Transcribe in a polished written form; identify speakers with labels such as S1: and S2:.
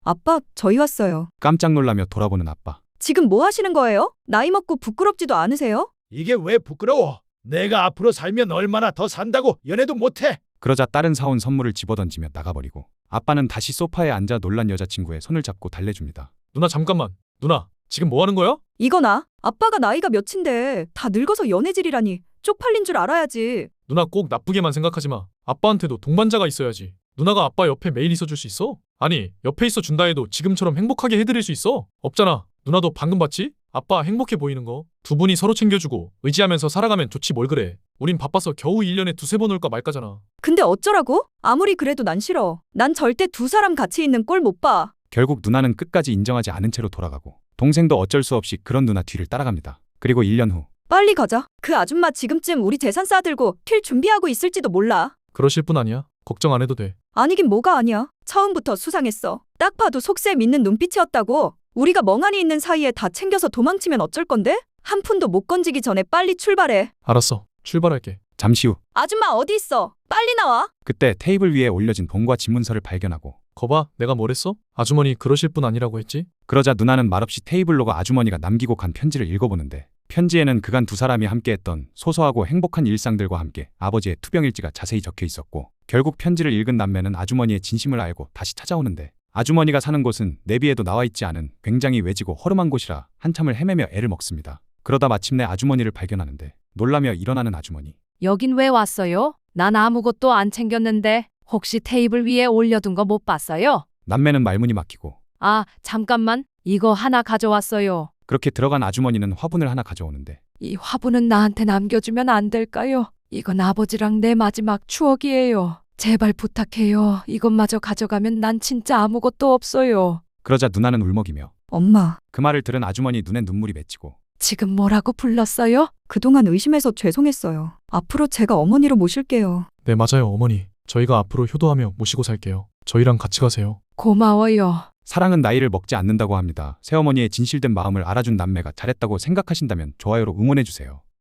S1: 아빠, 저희 왔어요.
S2: 깜짝 놀라며 돌아보는 아빠.
S1: 지금 뭐 하시는 거예요? 나이 먹고 부끄럽지도 않으세요?
S3: 이게 왜 부끄러워? 내가 앞으로 살면 얼마나 더 산다고 연애도 못해?
S2: 그러자 딸은 사온 선물을 집어던지며 나가버리고 아빠는 다시 소파에 앉아 놀란 여자친구의 손을 잡고 달래줍니다.
S4: 누나 잠깐만. 누나, 지금 뭐 하는 거야?
S1: 이거나. 아빠가 나이가 몇인데 다 늙어서 연애질이라니. 쪽팔린 줄 알아야지.
S4: 누나 꼭 나쁘게만 생각하지 마. 아빠한테도 동반자가 있어야지. 누나가 아빠 옆에 매일 있어줄 수 있어? 아니, 옆에 있어 준다 해도 지금처럼 행복하게 해드릴 수 있어? 없잖아. 누나도 방금 봤지? 아빠 행복해 보이는 거. 두 분이 서로 챙겨주고 의지하면서 살아가면 좋지 뭘 그래. 우린 바빠서 겨우 1년에 두세 번 올까 말까잖아.
S1: 근데 어쩌라고? 아무리 그래도 난 싫어. 난 절대 두 사람 같이 있는 꼴 못 봐.
S2: 결국 누나는 끝까지 인정하지 않은 채로 돌아가고 동생도 어쩔 수 없이 그런 누나 뒤를 따라갑니다. 그리고 1년 후
S1: 빨리 가자. 그 아줌마 지금쯤 우리 재산 싸들고 킬 준비하고 있을지도 몰라.
S4: 그러실 분 아니야? 걱정 안 해도 돼.
S1: 아니긴 뭐가 아니야. 처음부터 수상했어. 딱 봐도 속셈 있는 눈빛이었다고. 우리가 멍하니 있는 사이에 다 챙겨서 도망치면 어쩔 건데? 한 푼도 못 건지기 전에 빨리 출발해.
S4: 알았어. 출발할게.
S2: 잠시 후
S1: 아줌마 어디 있어? 빨리 나와.
S2: 그때 테이블 위에 올려진 돈과 집문서를 발견하고
S4: 거봐, 내가 뭐랬어? 아주머니 그러실 분 아니라고 했지?
S2: 그러자 누나는 말없이 테이블로 가 아주머니가 남기고 간 편지를 읽어보는데 편지에는 그간 두 사람이 함께했던 소소하고 행복한 일상들과 함께 아버지의 투병일지가 자세히 적혀 있었고 결국 편지를 읽은 남매는 아주머니의 진심을 알고 다시 찾아오는데 아주머니가 사는 곳은 내비에도 나와 있지 않은 굉장히 외지고 허름한 곳이라 한참을 헤매며 애를 먹습니다. 그러다 마침내 아주머니를 발견하는데 놀라며 일어나는 아주머니.
S5: 여긴 왜 왔어요? 난 아무것도 안 챙겼는데 혹시 테이블 위에 올려둔 거 못 봤어요?
S2: 남매는 말문이 막히고
S5: 아, 잠깐만. 이거 하나 가져왔어요.
S2: 그렇게 들어간 아주머니는 화분을 하나 가져오는데
S5: 이 화분은 나한테 남겨주면 안 될까요? 이건 아버지랑 내 마지막 추억이에요. 제발 부탁해요. 이것마저 가져가면 난 진짜 아무것도 없어요.
S2: 그러자 누나는 울먹이며
S1: 엄마,
S2: 그 말을 들은 아주머니 눈에 눈물이 맺히고
S5: 지금 뭐라고 불렀어요?
S1: 그동안 의심해서 죄송했어요. 앞으로 제가 어머니로 모실게요.
S4: 네, 맞아요, 어머니. 저희가 앞으로 효도하며 모시고 살게요. 저희랑 같이 가세요.
S5: 고마워요.
S2: 사랑은 나이를 먹지 않는다고 합니다. 새어머니의 진실된 마음을 알아준 남매가 잘했다고 생각하신다면 좋아요로 응원해주세요.